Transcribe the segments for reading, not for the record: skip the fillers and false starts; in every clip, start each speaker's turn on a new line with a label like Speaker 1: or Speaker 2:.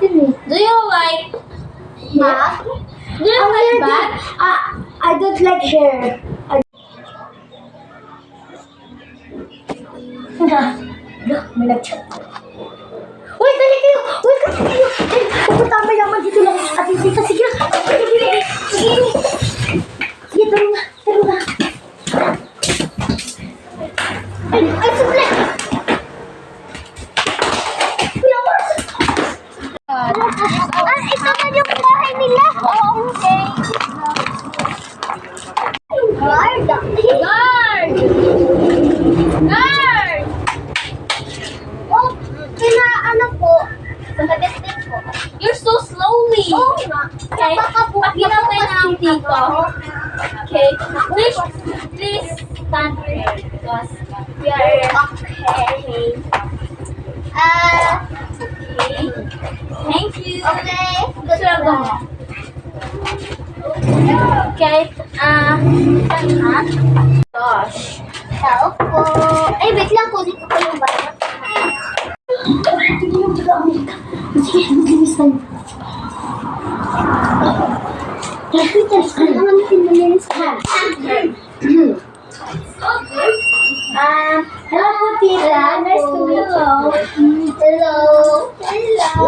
Speaker 1: Do you like
Speaker 2: Bag?
Speaker 1: Do you like bag?
Speaker 2: I don't like hair. May nag-chat. Uy, dali kayo! Uy, kasi kayo! Pupunta may naman dito lang. At hindi ka, sige. Sige. Sige, taro na. Taro na. Ay, sumple! Ito na yung bahay nila. Okay. Guard!
Speaker 1: Guard! Guard!
Speaker 2: Oh, ano po? Nag-testing po.
Speaker 1: You're so slowly.
Speaker 2: Oo nga.
Speaker 1: Okay. Pakita tayo ng dito. Okay. Please stand here because we are okay. Okay. Thank you.
Speaker 2: Okay.
Speaker 1: Good job. Okay. Gosh.
Speaker 2: Tao po. Ay, wait lang po. Dito po yung bayan. Ito yung taga-Amerika. Sige, maglinis tayo. Ano naman natin malinis ka? Hello po, tita. Nice to meet you. Hello. Hello.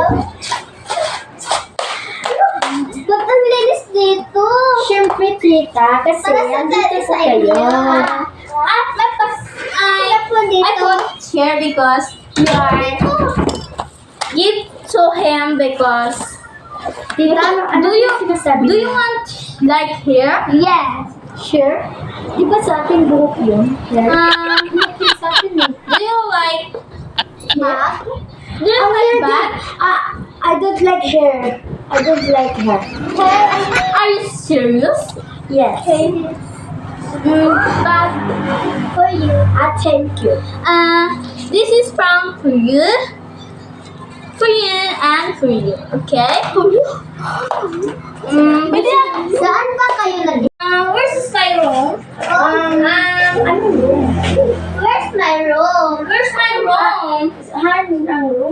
Speaker 2: Ba't ang linis dito?
Speaker 3: Siyempre, tita, kasi andito sa kayo.
Speaker 1: I put here because you are give to him because do you want like here?
Speaker 2: Yes.
Speaker 3: Sure? Di ba sa ating buhok yun?
Speaker 1: Sa atin eh. Do you like
Speaker 2: Bag?
Speaker 1: Do you like bag?
Speaker 3: I don't like hair. I don't like hair.
Speaker 1: Are you serious?
Speaker 3: Yes.
Speaker 1: But
Speaker 2: For you.
Speaker 3: Thank you.
Speaker 1: this is from for you and for you. Okay?
Speaker 2: Pwede na. Saan ba kayo nag-
Speaker 1: Where's my room?
Speaker 3: Ano yun?
Speaker 2: Where's my room?
Speaker 1: Where's my room?
Speaker 3: Han ang room?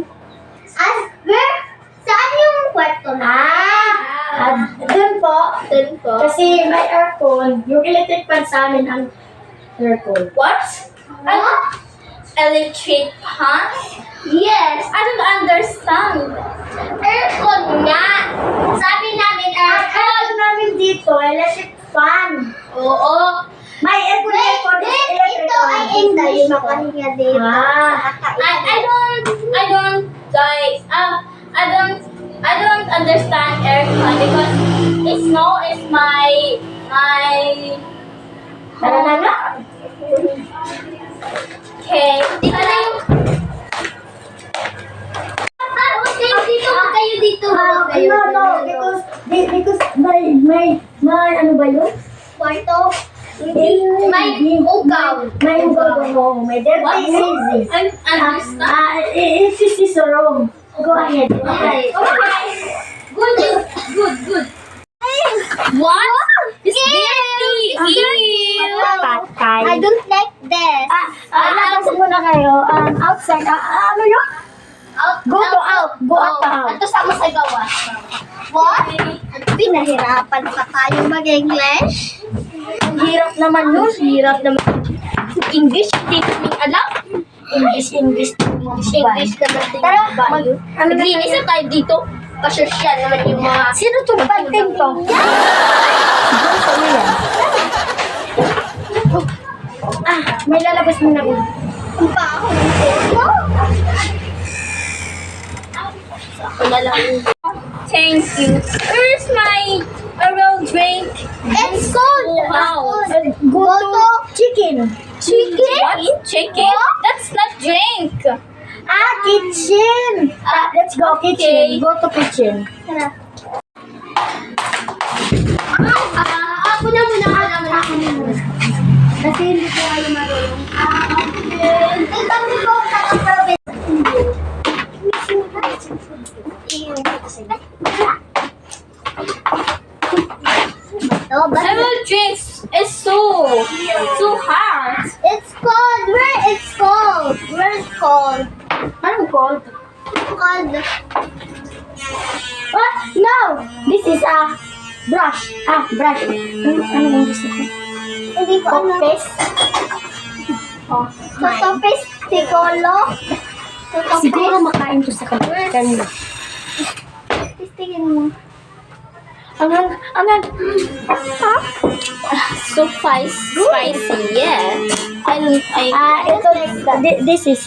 Speaker 2: Saan yung kwarto na?
Speaker 3: Doon po.
Speaker 1: Then po.
Speaker 3: Kasi may aircon. Yung electric fan sa amin ang aircon.
Speaker 1: What?
Speaker 2: Ano?
Speaker 1: Electric fan?
Speaker 2: Yes.
Speaker 1: I don't understand.
Speaker 2: Aircon nga. Sabi namin aircon.
Speaker 3: Aircon namin dito, electric fan.
Speaker 1: Oo.
Speaker 3: May aircon, aircon, electric
Speaker 2: Ito ay
Speaker 3: fan.
Speaker 2: English. Makahinga dito.
Speaker 1: I don't guys. I don't understand aircon because snow is my
Speaker 3: Tara na nga.
Speaker 1: okay.
Speaker 2: Dito na yung... Dito ba kayo dito?
Speaker 3: No, because may ano ba yun?
Speaker 2: Kwarto? May ugaw.
Speaker 3: May ugaw mo. May dirty easy.
Speaker 1: I understand.
Speaker 3: It's just wrong. Go ahead.
Speaker 2: Okay.
Speaker 1: Good. What? It's dirty. Ew.
Speaker 3: Patay.
Speaker 2: I don't like this.
Speaker 3: Labas muna kayo. Outside. Ano yun? Go out. Go out.
Speaker 2: Ato sa mo sa gawas. What? Pinahirapan pa tayo mag-English?
Speaker 3: Ang hirap naman nun. Hirap naman.
Speaker 1: English, hindi namin alam.
Speaker 3: English.
Speaker 1: English na natin.
Speaker 3: Tara,
Speaker 1: Naglinis na tayo dito. Pasosyal naman yung mga...
Speaker 3: Sino to? Panting to? Siguro sa iyo yan. May lalabas mo na rin.
Speaker 2: Ang baho ng photo.
Speaker 1: Wala lang. Thank you. Where's my oral drink?
Speaker 2: It's cold.
Speaker 1: Wow.
Speaker 3: Go to chicken.
Speaker 1: Chicken? What? Chicken? That's not drink.
Speaker 3: Kitchen. Let's go kitchen. Go to kitchen.
Speaker 2: Ako na muna.
Speaker 3: Kasi hindi ko kayo marunong.
Speaker 2: Ito mo po kakaprobit.
Speaker 1: Oral drinks is so hard.
Speaker 2: It's cold. Where it's cold? Where it's cold?
Speaker 3: Anong cold?
Speaker 2: Cold. This is a brush. Brush. Ano yung gusto ko?
Speaker 3: Hindi ko alam.
Speaker 2: Toothpaste. Oh,
Speaker 3: Toothpaste, sigolo.
Speaker 2: siguro makain to sa kanila.
Speaker 3: Tingin mo.
Speaker 2: Angan.
Speaker 1: So spicy, yeah.
Speaker 2: Ito, this is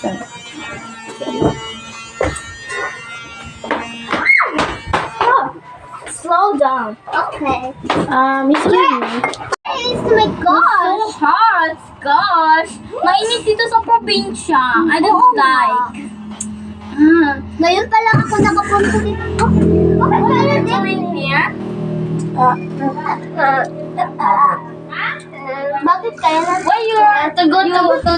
Speaker 1: Slow down.
Speaker 3: Okay.
Speaker 2: excuse me.
Speaker 3: Oh my gosh.
Speaker 1: So hot, gosh. Mainit dito sa probinsya. I don't
Speaker 3: Oo nga.
Speaker 1: like. Ah.
Speaker 3: Ngayon pa lang ako nakapunta dito. Okay,
Speaker 1: Are you in here?
Speaker 3: Bakit kaya na?
Speaker 1: Why you are to go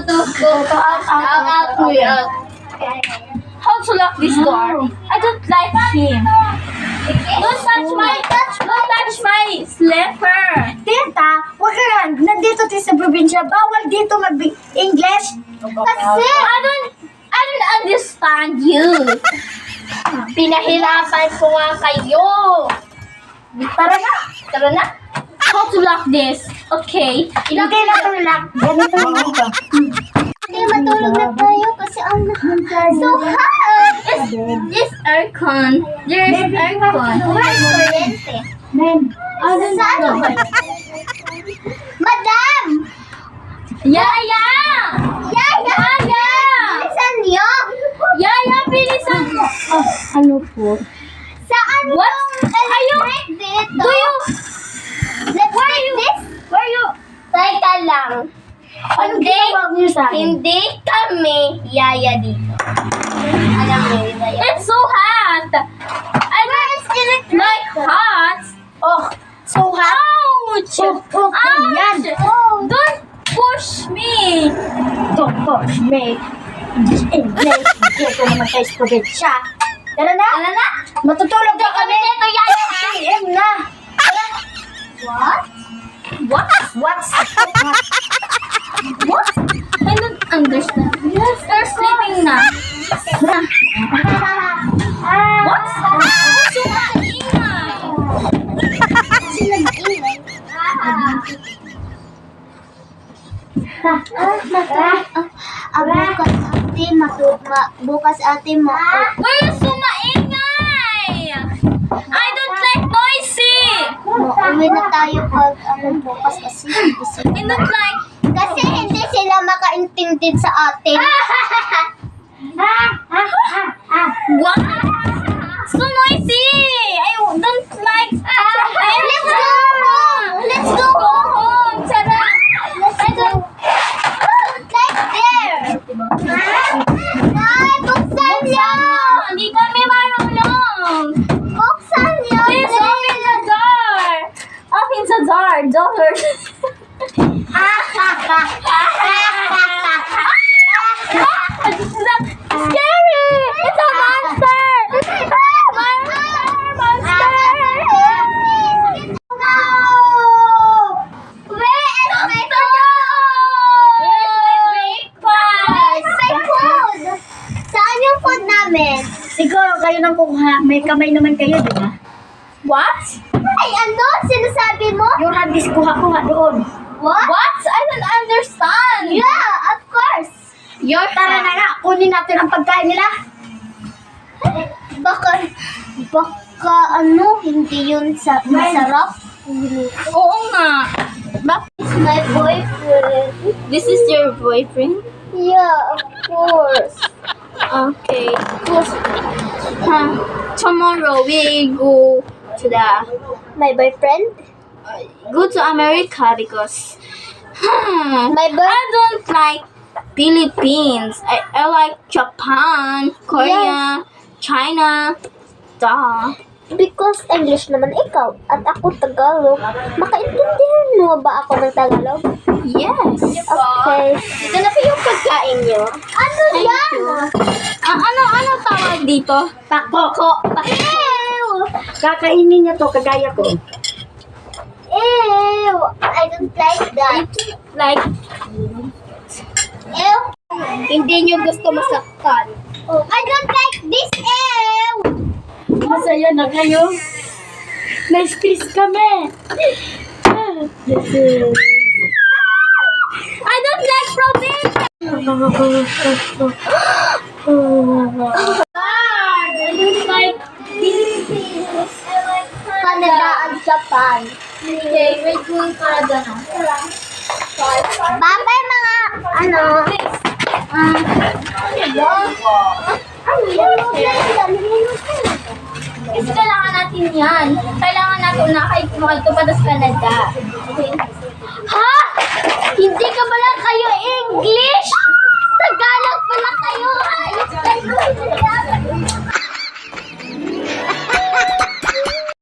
Speaker 1: out. How to lock this door? I don't like him. Don't touch my slipper.
Speaker 2: Tita, wag ka lang. Nandito tayo sa probinsya. Bawal dito mag-English.
Speaker 3: Kasi,
Speaker 1: I don't understand you. Pinahirapan ko nga kayo. Tara na. How to lock this? Okay.
Speaker 2: Ilagay na ito lang. Ganito lang ito.
Speaker 3: hindi matulog na tayo kasi ang so hot.
Speaker 1: This aircon. There's aircon.
Speaker 3: Where's kuryente? Saan ba? Madam!
Speaker 1: Yaya!
Speaker 3: Yaya! Bilisan niyo!
Speaker 1: Yaya, bilisan mo.
Speaker 2: Ano po?
Speaker 3: Saan
Speaker 1: What?
Speaker 3: yung electric dito?
Speaker 1: Do you...
Speaker 3: Where you? Teka lang.
Speaker 2: Anong ginagawa niyo sa akin?
Speaker 1: Hindi kami yaya dito.
Speaker 3: Alam mo yun na yan.
Speaker 1: It's so hot. I don't like hot.
Speaker 2: Oh, so hot.
Speaker 1: Ouch!
Speaker 2: Yan.
Speaker 1: Don't push me.
Speaker 2: Don't push me. English. Dito naman tayo sa probinsya. Tara na.
Speaker 1: Ano na?
Speaker 2: Matutulog na kami.
Speaker 1: Dito yaya ha?
Speaker 2: PM na.
Speaker 3: What?
Speaker 1: What?
Speaker 2: What's
Speaker 1: What? I don't understand. Yes, they're sleeping na. What? So ingay.
Speaker 3: Sino nag-ingay? Bukas ate mo.
Speaker 1: Why are you so maingay? I don't like noisy.
Speaker 3: Uwi na tayo pag bukas kasi
Speaker 1: I don't like...
Speaker 3: kasi hindi sila makaintindi sa atin.
Speaker 1: What? So noisy. I don't like...
Speaker 3: Let's go home. Let's go home.
Speaker 1: Tara.
Speaker 3: I don't like there. Ay, buksan niyo.
Speaker 1: Hindi kami marunong.
Speaker 3: Buksan niyo.
Speaker 1: Please open the door. Open the door. Door. Scary! It's a monster!
Speaker 2: siguro kayo nang kuha. May kamay naman kayo, di ba?
Speaker 1: What?
Speaker 3: Ay, ano? Sinasabi mo?
Speaker 2: Yung hagis kuha-kuha doon.
Speaker 3: What?
Speaker 1: What? I don't understand.
Speaker 3: Yeah, of course.
Speaker 1: Your
Speaker 2: Tara na nga, kunin natin ang pagkain nila.
Speaker 3: Baka ano, hindi yun masarap.
Speaker 1: Oo nga.
Speaker 3: It's my boyfriend.
Speaker 1: This is your boyfriend?
Speaker 3: Yeah, of course.
Speaker 1: Okay. Tomorrow we go to
Speaker 3: My boyfriend?
Speaker 1: America because
Speaker 3: My
Speaker 1: I don't like Philippines. I like Japan, Korea, China. Duh.
Speaker 3: Because English naman ikaw at ako Tagalog. Makaintindihan mo ba ako ng Tagalog?
Speaker 1: Yes.
Speaker 3: Okay.
Speaker 1: Ito na po yung pagkain nyo.
Speaker 3: Ano yan?
Speaker 1: Ano tawag dito?
Speaker 2: Pako.
Speaker 3: Ew!
Speaker 2: Kakainin niya to, kagaya ko.
Speaker 3: Ew! I don't like that.
Speaker 1: Like,
Speaker 3: Ew!
Speaker 1: hindi nyo gusto masaktan.
Speaker 3: I don't like this. Ew!
Speaker 2: Masaya na kayo. Na-stress kami.
Speaker 1: I don't like province. I don't like Philippines. I like
Speaker 3: Canada at Japan.
Speaker 1: Okay, we're going Canada now.
Speaker 3: Bye-bye mga, ano,
Speaker 1: Kasi kailangan natin yan. Kailangan natin na kahit makatupadas Canada. Okay?
Speaker 3: ha? Hindi